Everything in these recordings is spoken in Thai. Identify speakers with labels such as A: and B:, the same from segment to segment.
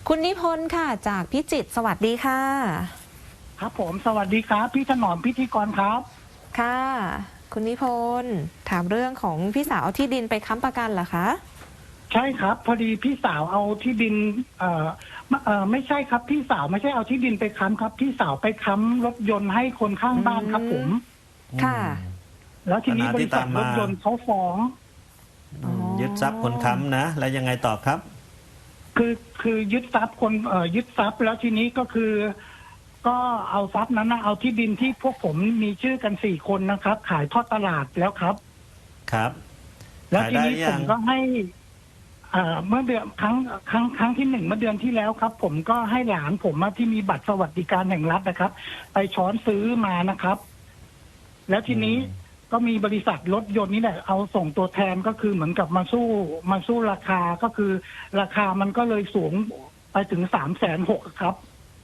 A: คุณนิพนธ์ค่ะจากพิจิตรสวัสดีค่ะ
B: ครับผมสวัสดีครับพี่ถนอมพิธีกรครับ
A: ค่ะคุณนิพนธ์ถามเรื่องของพี่สาวเอาที่ดินไปค้ำประกันเหรอคะ
B: ใช่ครับพอดีพี่สาวเอาที่ดินไม่ใช่ครับพี่สาวไม่ใช่เอาที่ดินไปค้ำครับพี่สาวไปค้ำรถยนต์ให้คนข้างบ้านครับผม
A: ค่ะ
B: แล้วทีนี้บริษัทรถยนต์เขาฟ้อง
C: ยึดทรัพย์คนค้ำนะแล้วยังไงต่อครับ
B: คือยึดทรัพย์คนยึดทรัพย์แล้วทีนี้ก็คือ ก็เอาทรัพย์นั้นนะเอาที่ดินที่พวกผมมีชื่อกัน4 คนนะครับ ขายทอดตลาดแล้วครับ
C: ครับ
B: แล้วทีนี้ผมก็ให้เมื่อเดือนครั้งที่1เมื่อเดือนที่แล้วครับ ผมก็ให้หลานผมที่มีบัตรสวัสดิการแห่งรัฐนะครับ ไปช้อนซื้อมานะครับ แล้วทีนี้ก็มีบริษัทรถยนต์นี่แหละเอาส่งตัวแทนก็คือเหมือนกับมาสู้ราคาก็คือ ราคามันก็เลยสูงไปถึง360,000ครับ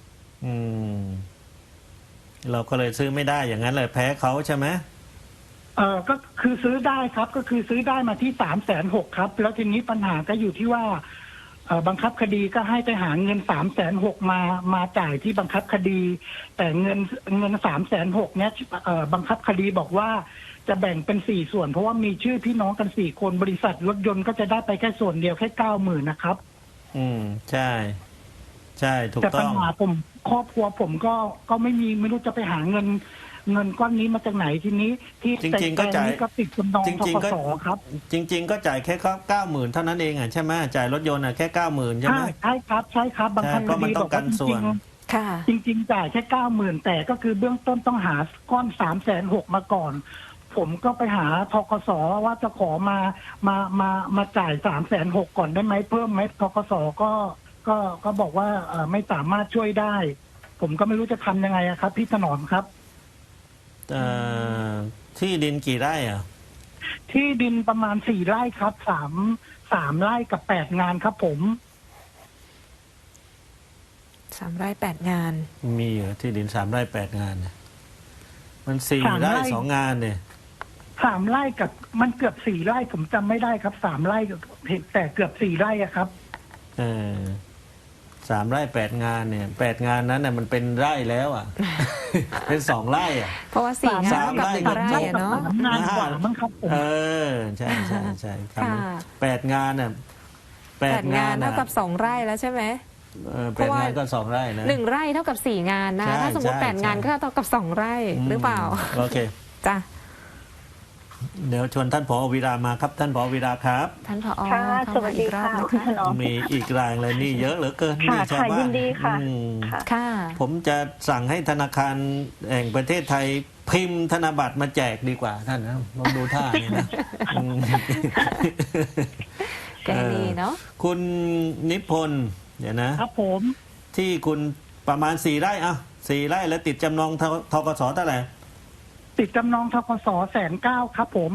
C: เราก็เลยซื้อไม่ได้อย่างนั้นเลยแพ้เขาใช่ไหม
B: ก็คือซื้อได้ครับก็คือซื้อได้มาที่360,000ครับแล้วทีนี้ปัญหาก็อยู่ที่ว่าบังคับคดีก็ให้ไปหาเงิน360,000มาจ่ายที่บังคับคดี แต่เงิน360,000เนี้ยบังคับคดีบอกว่าจะแบ่งเป็น4 ส่วนเพราะว่ามีชื่อพี่น้องกัน4 คนบริษัทรถยนต์ก็จะได้ไปแค่ส่วนเดียวแค่90,000นะครับ
C: ใช่ใช่ถูกต้อง
B: แต่ปัญหาผมครอบครัวผมก็ไม่รู้จะไปหาเงินก้อนนี้มาจากไหนทีนี้ที่
C: จริงๆก็จ่าย
B: ก็ติดจำนองทกสครับ
C: จริงๆก็จ่ายแค่90,000เท่านั้นเองใช่ไหมจ่ายรถยนต์แค่90,000ใช่ไหม
B: ใช่ครับบางครั้ง
C: ก็มันต้องกันส่วน
B: จริงจ่ายแค่90,000แต่ก็คือเบื้องต้นต้องหาก้อน360,000มาก่อนผมก็ไปหาทกสว่าจะขอมาจ่าย360,000ก่อนได้ไหมเพิ่มไหมทกสก็บอกว่าไม่สามารถช่วยได้ผมก็ไม่รู้จะทำยังไงครับพี่ถนอมครับ
C: ที่ดินกี่ไร่
B: ที่ดินประมาณ4 ไร่ครับ3 ไร่กับ8 งานครับผม
A: 3 ไร่ 8 งาน
C: มีเหรอที่ดิน3 ไร่ 8 งานเนี่ยมัน4 ไร่ 2 งานเนี่ย
B: 3 ไร่กับมันเกือบ4 ไร่ผมจำไม่ได้ครับ3 ไร่แต่เกือบ4 ไร่ครับ
C: 3 ไร่ 8 งานเนี่ย8 งานนั้นน่ะมันเป็นไร่แล้วเป็น2 ไร่
A: เพราะว่า4 งานกับ1 ไร่เนาะ
B: งานกว่ามั้งครับ
C: ใช่ครับ8 งานน่ะ
A: 8 งานเท่ากับ2 ไร่แล้วใช่ไหม
C: 8 งานก็2 ไร่นะ
A: 1 ไร่เท่ากับ4 งานนะถ้าสมมติ8 งานก็เท่ากับ2 ไร่หรือเปล่า
C: โอเค
A: จ้ะ
C: เดี๋ยวชวนท่านผอ.วีระมาครับท่านผอ.วีระครับ
A: ท่านผอ.
D: สวัสดีค่ะคุณถนอม
C: มีอีกรายเลยนี่เยอะเหลือเกินนี่ชาวบ้าน
D: ยินดีค่ะ
A: ค่ะ
C: ผมจะสั่งให้ธนาคารแห่งประเทศไทยพิมพ์ธนบัตรมาแจกดีกว่าท่านนะลองดูท่านี่นะ
A: แกดีเนาะ
C: คุณนิพนธ์เดี๋ยวนะครับ
B: ผม
C: ที่คุณประมาณ4 ไร่4 ไร่แล้วติดจำนองธกสเท่าไหร่
B: ติดจำนองธกส190,000ครับผม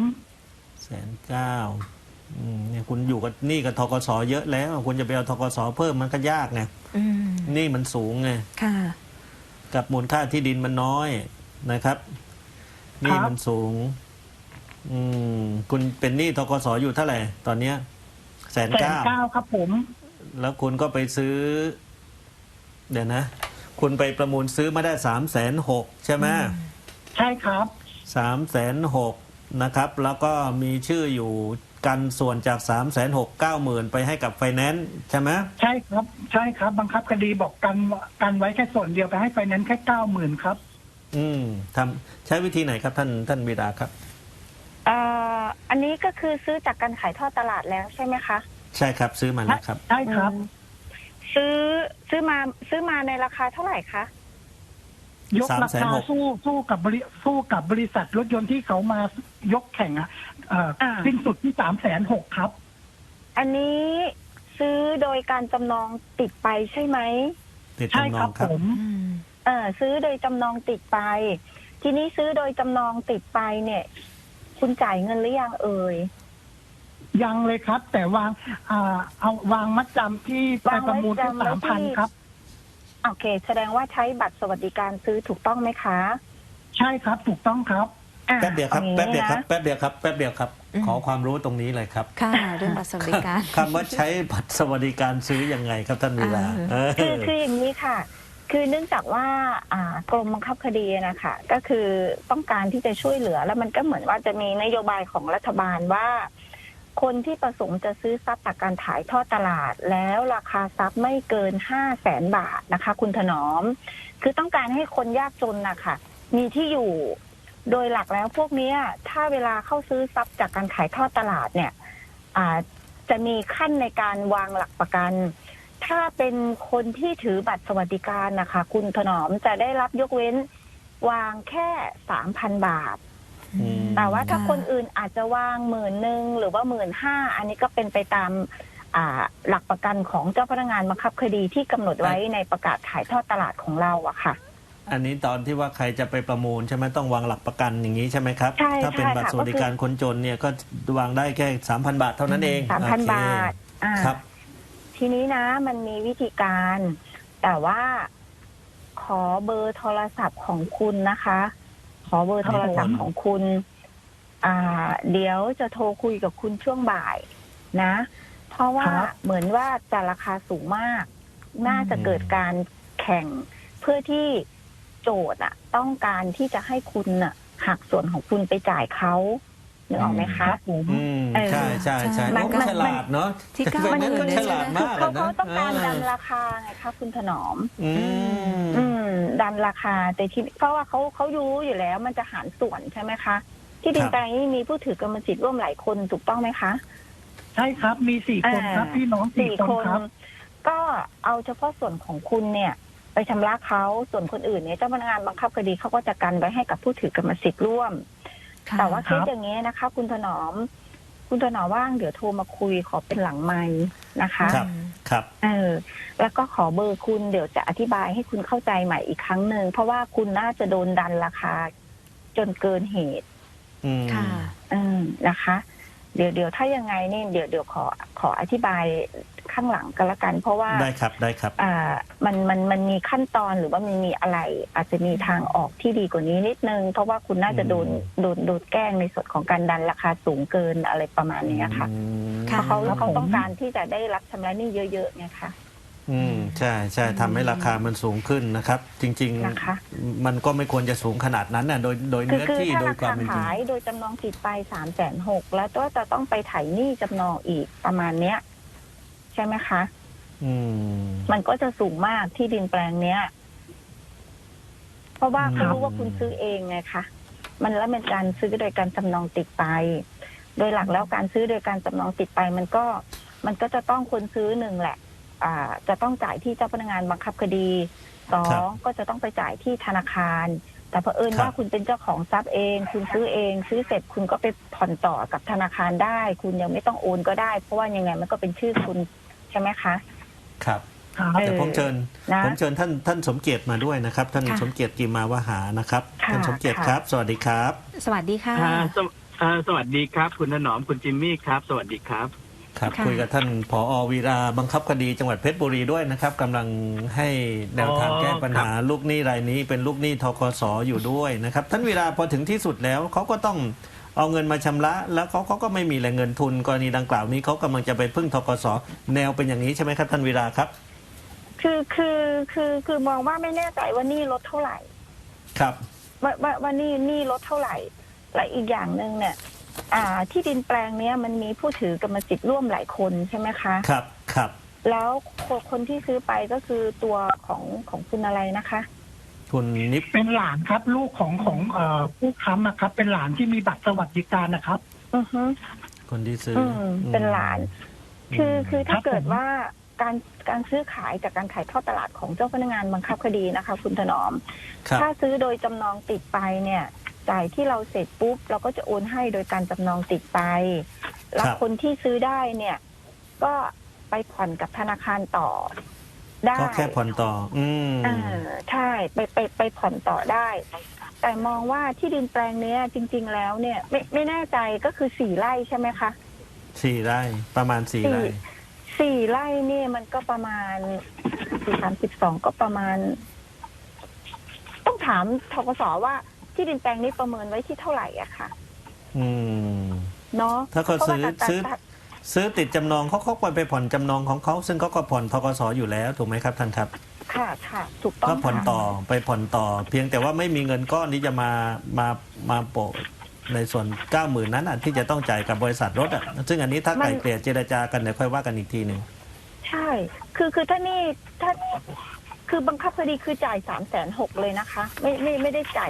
C: 190,000เนี่ยคุณอยู่กับนี่กับธกสเยอะแล้วคุณจะไปเอาธกสเพิ่มมันก็ยากไงนี่มันสูงไงกับมูลค่าที่ดินมันน้อยนะครับนี่มันสูงคุณเป็นหนี้ธกสอยู่เท่าไหร่ตอนเนี้ย
B: 190,000ครับผม
C: แล้วคุณก็ไปซื้อเดี๋ยวนะคุณไปประมูลซื้อมาได้360,000ใช่ไหม
B: ใช่ครับ
C: 360,000นะครับแล้วก็มีชื่ออยู่กันส่วนจาก360,000 90,000ไปให้กับไฟแนนซ์ใช่ไหม
B: ใช่ครับบังคับคดีบอกกันไว้แค่ส่วนเดียวไปให้ไฟแนนซ์แค่90,000ครับ
C: ใช้วิธีไหนครับท่านวีระครับ
D: อันนี้ก็คือซื้อจากการขายทอดตลาดแล้วใช่ไหมคะ
C: ใช่ครับซื้อมาแล้วครับ
B: ใช่ครับ
D: ซื้อมาในราคาเท่าไหร่คะ
B: ยกราคาสู้กับบริษัทรถยนต์ที่เขามายกแข่งสิ้นสุดที่360,000ครับ
D: อันนี้ซื้อโดยการจำนองติดไปใช่ไหม
B: ใช่ครับผม
D: ซื้อโดยจำนองติดไปทีนี้ซื้อโดยจำนองติดไปเนี่ยคุณจ่ายเงินหรือยังเอ่ย
B: ยังเลยครับแต่เอาวางมัดจำที่ไปประมูลที่3,000ครับ
D: โอเคแสดงว่าใช้บัตรสวัสดิการซื้อถูกต้องไหมคะ
B: ใช่ครับถูกต้องครับ
C: แป๊บเดียวครับ
D: อา
C: แป๊บ
D: งี้
C: เดียวครับ
D: นะ
C: แป๊บเดียวครับแป๊บเดียวครับ ขอความรู้ตรงนี้เลยครับ
A: ค่ะ เรื่องบัตรสวัสดิการ
C: คำว่าใช้บัตรสวัสดิการซื้อยังไงครับท่านวีระเ
D: คืออย่างนี้ค่ะ คือเนื่องจากว่ากรมบังคับคดีนะคะก็คือต้องการที่จะช่วยเหลือ แล้วมันก็เหมือนว่าจะมีนโยบายของรัฐบาลว่า คนที่ประสงค์จะซื้อทรัพย์จากการขายทอดตลาด แล้วราคาทรัพย์ไม่เกิน500,000 บาทนะคะ คุณถนอม คือต้องการให้คนยากจนนะคะมีที่อยู่ โดยหลักแล้วพวกเนี้ยถ้าเวลาเข้าซื้อทรัพย์จากการขายทอดตลาดเนี่ยจะมีขั้นในการวางหลักประกัน ถ้าเป็นคนที่ถือบัตรสวัสดิการนะคะคุณถนอมจะได้รับยกเว้นวางแค่ 3,000 บาท แต่ว่าถ้าคนอื่นอาจจะวาง10,000หรือว่า15,000อันนี้ก็เป็นไปตามหลักประกันของเจ้าพนักงานบังคับคดีที่กำหนดไว้ในประกาศขายทอดตลาดของเราอะค่ะ
C: อันนี้ตอนที่ว่าใครจะไปประมูลใช่ไหมต้องวางหลักประกันอย่างนี้ใช่ไหมครับ
D: ใช่
C: ถ้าเป็นบัตรสวัสดิการคนจนเนี่ยก็วางได้แค่ 3,000 บาทเท่านั้นเอง
D: 3,000 บาท
C: ครับ
D: ทีนี้นะมันมีวิธีการ แต่ว่าขอเบอร์โทรศัพท์ของคุณนะคะ ขอเบอร์โทรศัพท์ของคุณเดี๋ยวจะโทรคุยกับคุณช่วงบ่ายนะ เพราะว่าเหมือนว่าจะราคาสูงมาก น่าจะเกิดการแข่งเพื่อที่โจทย์ต้องการที่จะให้คุณหักส่วนของคุณไปจ่ายเขานึกออกไหมคะ
C: ใช่ใช่ใช่
D: มัน
C: ฉลาดเนาะ
A: ที่
C: เป็นนั้นก็ฉลาดมาก
D: เขา
C: นะ
D: ต้องการดันราคาไงคะคุณถนอม
C: อืม
D: ดันราคาแต่ที่เพราะว่าเขารู้อยู่แล้วมันจะหารส่วนใช่ไหมคะ ที่ดินแปลงนี้มีผู้ถือกรรมสิทธิ์ร่วมหลายคนถูกต้องไหมคะ
B: ใช่ครับมี4 คนครับพี่น้อง4 คนครับ
D: ก็เอาเฉพาะส่วนของคุณเนี่ย ไปชำระเขาส่วนคนอื่นเนี่ยเจ้าพนักงานบังคับคดีเขาก็จะกันไว้ให้กับผู้ถือกรรมสิทธิ์ร่วม แต่ว่าเคสอย่างนี้นะคะ คุณถนอมว่างเดี๋ยวโทรมาคุยขอเป็นหลังไมค์นะคะ
C: ครับ
D: แล้วก็ขอเบอร์คุณเดี๋ยวจะอธิบายให้คุณเข้าใจใหม่อีกครั้งหนึ่งเพราะว่าคุณน่าจะโดนดันราคาจนเกินเหตุ
A: ค่ะ
D: นะคะ เดี๋ยวถ้ายังไงเนี่ยเดี๋ยวขออธิบายข้างหลังกันละกัน เพราะว่า
C: ได้ครับ
D: มันมีขั้นตอนหรือว่ามันมีอะไร อาจจะมีทางออกที่ดีกว่านี้นิดนึงเพราะว่าคุณน่าจะโดนแกล้งในส่วนของการดันราคาสูงเกินอะไรประมาณนี้ค่ะเพราะเขาต้องการที่จะได้รับชำระหนี้เยอะๆไงคะ
C: ใช่ทำให้ราคามันสูงขึ้นนะครับ จริงๆมันก็ไม่ควรจะสูงขนาดนั้นน่ะโดยเนื้อที่โดยความเป็นจริง
D: ขายโดยจำนองติดไป360,000แล้วก็จะต้องไปไถ่หนี้จำนองอีกประมาณเนี้ยใช่ไหมคะมันก็จะสูงมากที่ดินแปลงเนี้ยเพราะว่าเขารู้ว่าคุณซื้อเองไงคะมันแล้วเป็นการซื้อโดยการจำนองติดไปโดยหลักแล้วการซื้อโดยการจำนองติดไปมันก็จะต้องคนซื้อหนึ่งแหละจะต้องจ่ายที่เจ้าพนักงานบังคับคดี2ก็จะต้องไปจ่ายที่ธนาคารแต่เผอิญว่าคุณเป็นเจ้าของทรัพย์เองคุณซื้อเองซื้อเสร็จคุณก็ไปผ่อนต่อกับธนาคารได้คุณยังไม่ต้องโอนก็ได้เพราะว่ายังไงมันก็เป็นชื่อคุณใช่ไหมคะ
C: ครับเดี๋ยวผมเชิญท่านสมเกียรติมาด้วยนะครับท่านสมเกียรติกิมมาวหานะครับท่านสมเกียรติครับสวัสดีครับ
A: สวัสดีค่ะ
E: สวัสดีครับคุณถนอมคุณจิมมี่ครับสวัสดีครับ
C: ครับคุยกับท่านผอ.วีราบังคับคดีจังหวัดเพชรบุรีด้วยนะครับกำลังให้แนวทางแก้ปัญหาลูกหนี้รายนี้เป็นลูกหนี้ธกส.อยู่ด้วยนะครับท่านวีราพอถึงที่สุดแล้วเขาก็ต้องเอาเงินมาชำระแล้วเขาก็ไม่มีแหล่งเงินทุนกรณีดังกล่าวนี้เขากำลังจะไปพึ่งธกส.แนวเป็นอย่างนี้ใช่ไหมครับท่านวีราครับ
D: คือมองว่าไม่แน่ใจว่านี่ลดเท่าไหร่
C: ครับ
D: ว่านี่ลดเท่าไหร่และอีกอย่างหนึ่งเนี่ยที่ดินแปลงเนี้ยมันมีผู้ถือกรรมสิทธิ์ร่วมหลายคนใช่ไหมคะ
C: ครับ
D: แล้วคนที่ซื้อไปก็คือตัวของคุณอะไรนะคะ
C: คุณนิพ
B: เป็นหลานครับลูกของผู้ค้ำนะครับเป็นหลานที่มีบัตรสวัสดิการนะครับ
C: คนที่ซื้อ
D: เป็นหลานคือถ้าเกิดว่าการซื้อขายจากการขายทอดตลาดของเจ้าพนักงานบังคับคดีนะคะคุณถนอมถ้าซื้อโดยจำนองติดไปเนี่ยจ่ายที่เราเสร็จปุ๊บเราก็จะโอนให้โดยการจำนองติดไปแล้วคนที่ซื้อได้เนี่ยก็ไปผ่อนกับธนาคารต่อได้
C: ก็แค่ผ่อนต่อ
D: ใช่ไปผ่อนต่อได้แต่มองว่าที่ดินแปลงเนี้ยจริงๆแล้วเนี่ยไม่แน่ใจก็คือ4 ไร่ใช่ไหมคะ
C: 4 ไร่ประมาณ4 ไร่
D: 4 ไร่เนี่ยมันก็ประมาณ4 32ก็ประมาณต้องถามธกสว่าที่ดินแปลงนี้ประเมินไว้ที่เท่าไหร่อะค่ะ
C: อืม
D: เนาะ
C: ถ้าเขาซื้อติดจำนองเขาไปผ่อนจำนองของเขาซึ่งเขาก็ผ่อนธกสอยู่แล้วถูกไหมครับท่านครับ
D: ค่ะค่ะถูกต้อง
C: ก็ผ่อน
D: ค่ะ
C: ต่อไปผ่อนต่อ เพียงแต่ว่าไม่มีเงินก้อนที่จะมาโปะในส่วน 90,000 นั้นที่จะต้องจ่ายกับบริษัทรถอ่ะซึ่งอันนี้ถ้าไกลเกลี่ยเจรจากันเดี๋ยวค่อยว่ากันอีกทีหนึ่ง
D: ใช่คือถ้านี่คือบังคับคดีคือจ่าย360,000เลยนะคะ ไม่ได้จ่าย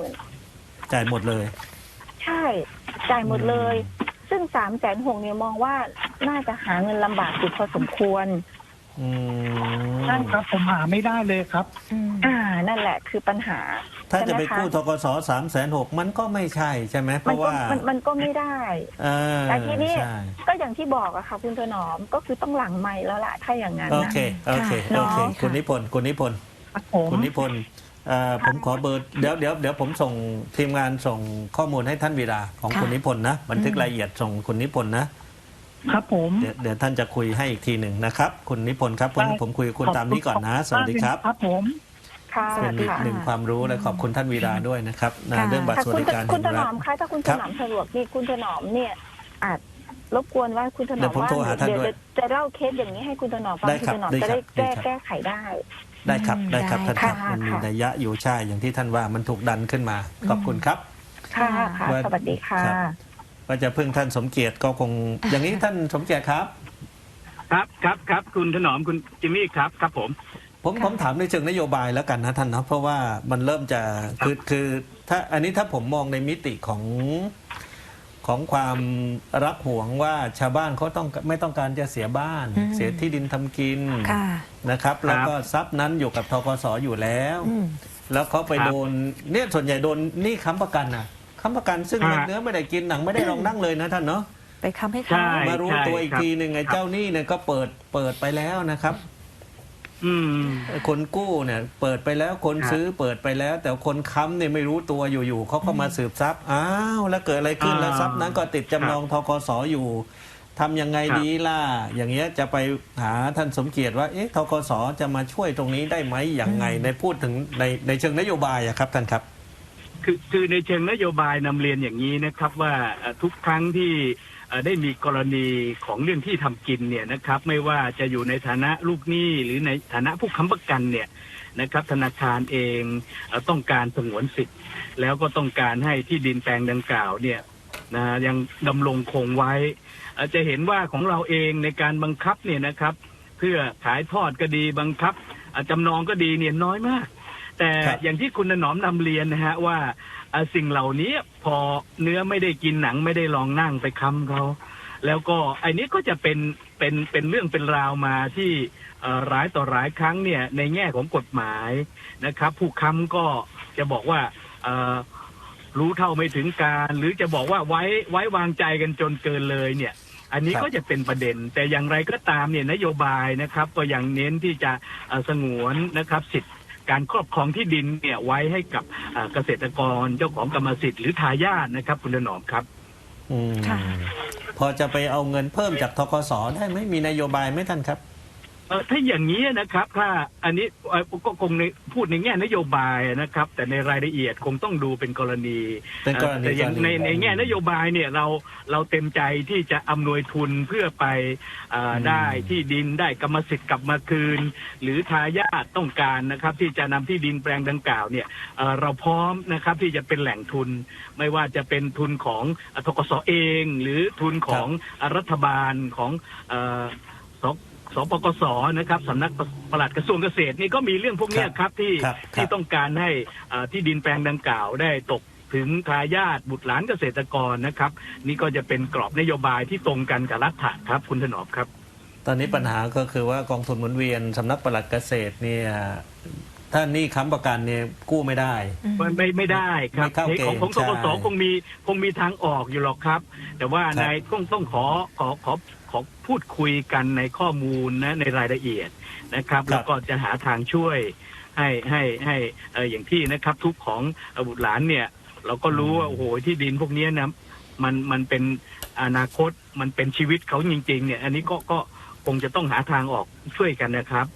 D: 90,000
C: จ่ายหมดเลย
D: ใช่จ่ายหมดเลย ซึ่ง360,000เนี่ยมองว่าน่าจะหาเงินลำบากอยู่พอสมควร
B: ใช่ครับผมหาไม่ได้เลยครับ
D: นั่นแหละคือปัญหา
C: ถ้าจะไป
D: ใช่หมค
C: กู้ธกส360,000มันก็ไม่ใช่ใช่ไหมเพราะว่า
D: มันก็ไม่ได้ แต่ทีนี้
C: ใช่
D: ก็อย่างที่บอกอะค่ะคุณถนอมก็คือต้องหลังไมค์แล้วล่ะถ้าอย่างนั้น
C: โอ
D: นะ
C: เคโอเค
D: เน
C: โอ
D: อะ
C: เคคุณนิพนธ์คุณนิพนธ์
B: ครับผม
C: คุณนิพนธ์ผมขอเบอร์เดี๋ยวผมส่งทีมงานส่งข้อมูลให้ท่านวีระของ
A: ค่ะ
C: คุณนิพนธ์นะบันทึกรายละเอียดส่งคุณนิพนธ์นะครับ
B: ผม
C: เดี๋ยวท่านจะคุยให้อีกทีหนึ่งนะครับคุณนิพนธ์ครับผมคุยกับคุณตามนี้ก่อนนะสวัสดีครับ
B: ครับผม
D: ค่ะ
A: สวั
C: เป็
A: ส
C: น
A: ดี
C: อีก
A: ค่ะ
C: หนึ่งความรู้และขอบคุณท่านวีระด้วยนะครับ
A: ค่ะ
C: เรื่องบัตรสวัสดิการ
D: คุณถ
C: แห่ง
D: น
C: รั
D: อ
C: ฐ
D: มคะถ้าคุณถ
C: ครับ
D: นอมสะดวกนี่คุณถนอมเนี่ยอาจรบกวนว่าคุณถน
C: เดี๋
D: อ
C: ย
D: ม
C: วผม
D: ว่า
C: โทรหาท่านด้วย
D: เดี๋ยวจะเล่าเคสอย่างนี้ให้คุณถนอมฟัง
C: ได้
D: คุ
C: ครั
D: ณ
C: บ
D: ถนอม
C: ได้
D: จะ
C: ครั
D: ได้
C: บ
D: แก้ไขได้
C: ได้ครับได้ครับท่านครับ
D: ค่ะ
C: มันมี
D: ค่ะ
C: นัยยะอยู่ใช่อย่างที่ท่านว่ามันถูกดันขึ้นมาขอบคุณครับ
D: ค่ะค่ะ
C: ว่า
D: สวัสดีค่ะ
C: ครับ ว่าจะพึ่งท่านสมเกียรติก็คง อย่างนี้ท่านสมเกียรติครับ
E: ครับคุณถนอมคุณจิมมี่ครับผม
C: ผมถามในเชิงนโยบายแล้วกันนะท่านนะเพราะว่ามันเริ่มจะคือถ้าอันนี้ถ้าผมมองในมิติของความรักหวงว่าชาวบ้านเขาไม่ต้องการจะเสียบ้าน เสียที่ดินทำกิน
A: ค่ะ
C: นะครับ แล้วก็ทรัพย์นั้นอยู่กับธกสอยู่แล้ว แล้วเขาไปโดนเนี่ยส่วนใหญ่โดนหนี้ค้ำประกันนะค้ำประกันซึ่งมันเนื้อไม่ได้กินหนังไม่ได้ลองนั่งเลยนะท่านเนาะ
A: ไปค้ำให้
E: ใช่
A: เขา
C: มารู้ตัวอีกทีหนึ่งไอ้เจ้าหนี้เนี่ยก็เปิดไปแล้วนะครับ
E: อืม
C: คนกู้เนี่ยเปิดไปแล้วคนซื้อเปิดไปแล้ว แต่คนค้ำเนี่ยไม่รู้ตัวอยู่ๆเขาก็มาสืบทรัพย์อ้าวแล้วเกิดอะไรขึ้นแล้วทรัพย์นั้นก็ติดจำนองธกสอยู่ทำยังไงดีล่ะอย่างเงี้ยจะไปหาท่านสมเกียรติว่าเอ๊ะธกสจะมาช่วยตรงนี้ได้ไหมอย่างไงในพูดถึงในเชิงนโยบายอะครับท่านครับ
E: คือในเชิงนโยบายนำเรียนอย่างนี้นะครับว่าทุกครั้งที่ได้มีกรณีของเรื่องที่ทำกินเนี่ยนะครับไม่ว่าจะอยู่ในฐานะลูกหนี้หรือในฐานะผู้ค้ำประกันเนี่ยนะครับธนาคารเองต้องการสงวนสิทธิ์แล้วก็ต้องการให้ที่ดินแปลงดังกล่าวเนี่ยนะยังดำรงคงไว้จะเห็นว่าของเราเองในการบังคับเนี่ยนะครับเพื่อขายทอดก็ดีบังคับจำนองก็ดีเนี่ยน้อยมากแต่
C: ครับ
E: อย่างที่คุณถนอมนำเรียนนะฮะว่าสิ่งเหล่านี้พอเนื้อไม่ได้กินหนังไม่ได้ลองนั่งไปค้ำเขาแล้วก็ไอ้นี้ก็จะเป็นเรื่องเป็นราวมาที่หลายต่อหลายครั้งเนี่ยในแง่ของกฎหมายนะครับผู้ค้ำก็จะบอกว่ารู้เท่าไม่ถึงการหรือจะบอกว่าไว้วางใจกันจนเกินเลยเนี่ยอันนี้ก็จะเป็นประเด็นแต่อย่างไรก็ตามเนี่ยนโยบายนะครับก็ยังเน้นที่จะสงวนนะครับสิทธิการครอบครองที่ดินเนี่ยไว้ให้กับเกษตรกรเจ้าของกรรมสิทธิ์หรือทายาทนะครับคุณถนอมครับ
A: ค่ะ
C: พอจะไปเอาเงินเพิ่มจากธกสได้ไหมมีนโยบายไหมท่านครับ
E: ถ้าอย่างนี้นะครับถ้าอันนี้ก็คงพูดในแง่นโยบายนะครับแต่ในรายละเอียดคงต้องดูเป็นกรณี
C: เป็นกรณี
E: แต่อย่างในแง่นโยบายเนี่ยเราเต็มใจที่จะอำนวยทุนเพื่อไปได้ที่ดินได้กรรมสิทธิ์กลับมาคืน หรือทายาทต้องการนะครับที่จะนำที่ดินแปลงดังกล่าวเนี่ยเราพร้อมนะครับที่จะเป็นแหล่งทุนไม่ว่าจะเป็นทุนของธกสเองหรือทุนของรัฐบาลของสปกสนะครับสำนักปลัดกระทรวงเกษตรนี่ก็มีเรื่องพวกนี้ครับที่ต้องการให้ที่ดินแปลงดังกล่าวได้ตกถึงทายาทบุตรหลานเกษตรกรนะครับนี่ก็จะเป็นกรอบนโยบายที่ตรงกันกับรัฐะครับคุณถนอมครับ
C: ตอนนี้ปัญหาก็คือว่ากองทุนหมุนเวียนสำนักปลัดเกษตรเนี่ยถ้านี่ค้ำประกันเนี่ยกู้ไม่ได้
E: ไม่ได้ครับ
C: ไม่เข้าเกณฑ์
E: ของธกสคงมีทางออกอยู่หรอกครับ แต่ว่า
C: ครับ
E: นายต้องขอพูดคุยกันในข้อมูลนะในรายละเอียดนะครับ แล้วก็จะหาทางช่วยให้อย่างที่นะครับทุกของบุตรหลานเนี่ยเราก็รู้ว่าโอ้โหที่ดินพวกนี้นะมันเป็นอนาคตมันเป็นชีวิตเขาจริงๆเนี่ยอันนี้ก็คงจะต้องหาทางออกช่วยกันนะครับ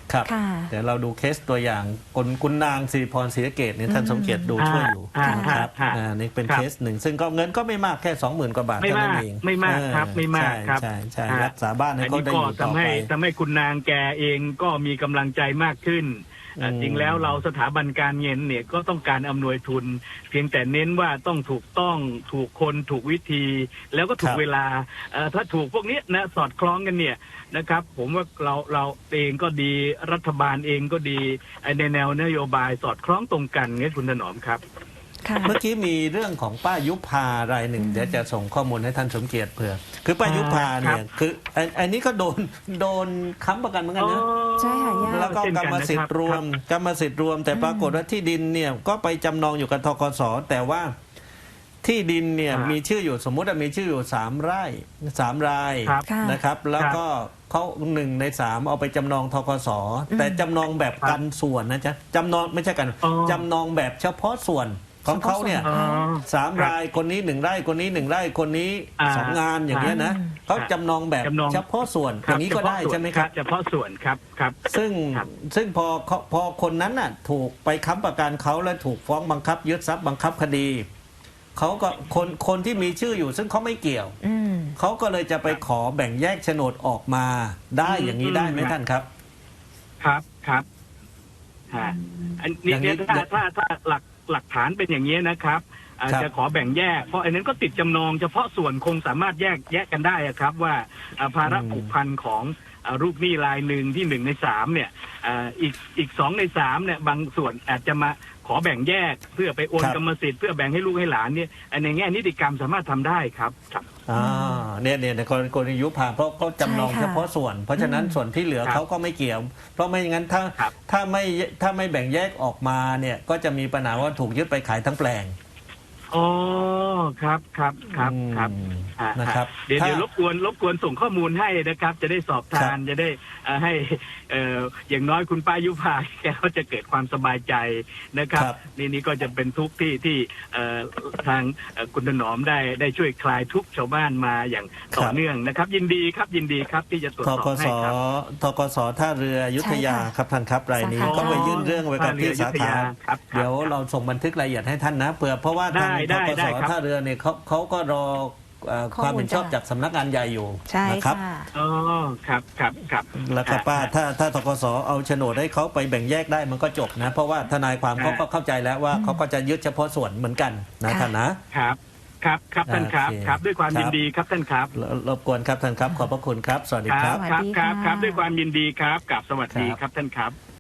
C: ครับ
A: ค่ะ
C: เดี๋ยวเราดูเคสตัวอย่างคุณนางสิริพรศรีสะเกษเนี่ยท่านสมเกียรติดูช่วยอยู่
E: อ่า
C: นะครับ
E: อ่า
C: นี่เป็น
E: ครับ
C: เคสหนึ่งซึ่งก็เงินก็ไม่มากแค่ 20,000 กว่าบาท
E: ไม่
C: เท่านั้
E: มาน ก
C: เอง
E: ไม่มากครับไม่มากครับ
C: ใช่รักษาบ้านให้
E: อัน
C: เขา
E: นี้
C: ได้
E: ก็
C: อยู่ต่อ
E: ทำ
C: ไป
E: ให้คุณนางแกเองก็มีกำลังใจมากขึ้น จริงแล้วเราสถาบันการเงินเนี่ยก็ต้องการอำนวยทุน เพียงแต่เน้นว่าต้องถูกต้องถูกคนถูกวิธี แล้วก็ถู
C: ค
E: ก
C: รับ
E: เวลาถ้าถูกพวกนี้นะสอดคล้องกันเนี่ยนะครับ ผมว่าเราเองก็ดีรัฐบาลเองก็ดีในแนวนโยบายสอดคล้องตรงกันไงคุณถนอมครับ
A: ค่ะ
C: เมื่อกี้มีเรื่องของป้ายุพารายหนึ่งเดี๋ยวจะส่งข้อมูลให้ท่านสมเกียรติเผื่อคือป้ายุพาเนี่ยคืออันนี้ก็โดนค้ำประกันเหมือนกันนะ
A: ใช่ค่ะย่า
C: แล้วก็กรรมสิทธิ์รวมแต่ปรากฏว่าที่ดินเนี่ยก็ไปจำนองอยู่กับธกสแต่ว่าที่ดินเนี่ยมีชื่ออยู่สมมุติว่ามีชื่ออยู่3 ไร่ 3 ราย
E: ครับ
A: ค่ะ
C: นะครับ แล้วก็เขา1 ใน 3เอาไปจำนองธกสแต่จำนองแบบกันส่วนนะจ๊ะจำนองไม่ใช่กัน
E: อ๋อ
C: จำนองแบบเฉพาะส่วนของเขาเนี่ย
E: อ๋อ
C: 3 รายคนนี้1 ไร่คนนี้1 ไร่คนนี้ 2 งานอย่างเงี้ยนะเขาจำนองแบบ
E: จำนอง
C: เฉพาะส่วนอย่างนี้ก็ได้ใช่ไหมครับ
E: เฉพาะส่วนครับครับ
C: ซึ่งพอคนนั้นน่ะถูกไปค้ำประกันเขาแล้วถูกฟ้องบังคับยึดทรัพย์บังคับคดีเขาก็คนที่มีชื่ออยู่ซึ่งเขาไม่เกี่ยว
A: อืม
C: เขาก็เลยจะไปขอแบ่งแยกโฉนดออกมาได้อย่างนี้ได้ไหมท่านครับ
E: ครับอันนี้
C: อย่างนี้
E: เนี่ยถ้าหลักฐานเป็นอย่างนี้ยนะครับจะขอแบ่งแยกเพราะอันนั้นก็ติดจำนองเฉพาะส่วนคงสามารถแยกกันได้อะครับว่าภาระผูกพันของลูกหนี้รายหนึ่งที่1 ใน 3เนี่ยอีก2 ใน 3เนี่ยบางส่วนอาจจะมาขอแบ่งแยกเพื่อไปโอนกรรมสิทธิ์เพื่อแบ่งให้ลูกให้หลานเนี่ยในแง่นิติกรรมสามารถทำได้ครับ
C: เนี่ยในกรณียุบพาเพราะเขาจำนอง
A: ใช่ค่ะ
C: เฉพาะส่วน เพราะฉะนั้นส่วนที่เหลือ
E: ครับ
C: เขาก็ไม่เกี่ยว เพราะไม่อย่างนั้นถ้าไม่แบ่งแยกออกมาเนี่ยก็จะมีปัญหาว่าถูกยึดไปขายทั้งแปลง
E: อ๋อครับ
C: นะครับ
E: เดี๋ยวรบกวนส่งข้อมูลให้นะครับ จะได้สอบทานจะได้ให้อย่างน้อยคุณป้ายุพาแกก็จะเกิดความสบายใจนะครับ นี่ก็จะเป็นทุกข์ที่ทางคุณถนอมได้ช่วยคลายทุกข์ชาวบ้านมาอย่างต่อเนื่องนะครับ ยินดีครับที่จะตรวจ
C: ท
E: สอบ
C: กส
E: ให้ครับ
C: ทกสท่าเรืออยุธยา
A: ใช่ค่ะ
C: ครับท่านครับรายนี้
A: สาขา
C: ก็ไปยื่นเรื่องไว้กับที่สาขา
E: ครับ
C: เดี๋ยวเราส่งบันทึกรายละเอียดให้ท่านนะเพราะว่าทางท
E: ได้
C: ก
E: ได้
C: ส
E: ครับ
C: ท่าเรือเนี่ยเขาก็รอความเห็นชอบจากสำนักงานใหญ่อยู่
A: ใช่
C: นะครับ
A: ค่ะ
E: อ๋อครับ
C: แล้วก็ป้าถ้าทกสเอาโฉนดให้เขาไปแบ่งแยกได้มันก็จบนะ เพราะว่าทนายความเขาก็เข้าใจแล้วว่าเขาก็จะยึดเฉพาะส่วนเหมือนกันนะ
A: ค่ะ
C: ท่านนะ
E: ครับท่านครับ
C: โอเค
E: ครับด้วยความยินดีครับท่านครับ
C: รบกวนครับท่านครับขอบพระคุณครับ สวัสดีครับ
A: สวัสดีค่ะ
E: ครับด้วยความยินดีครับกับสวัสดี
C: ครับ
E: ครับท่านครับ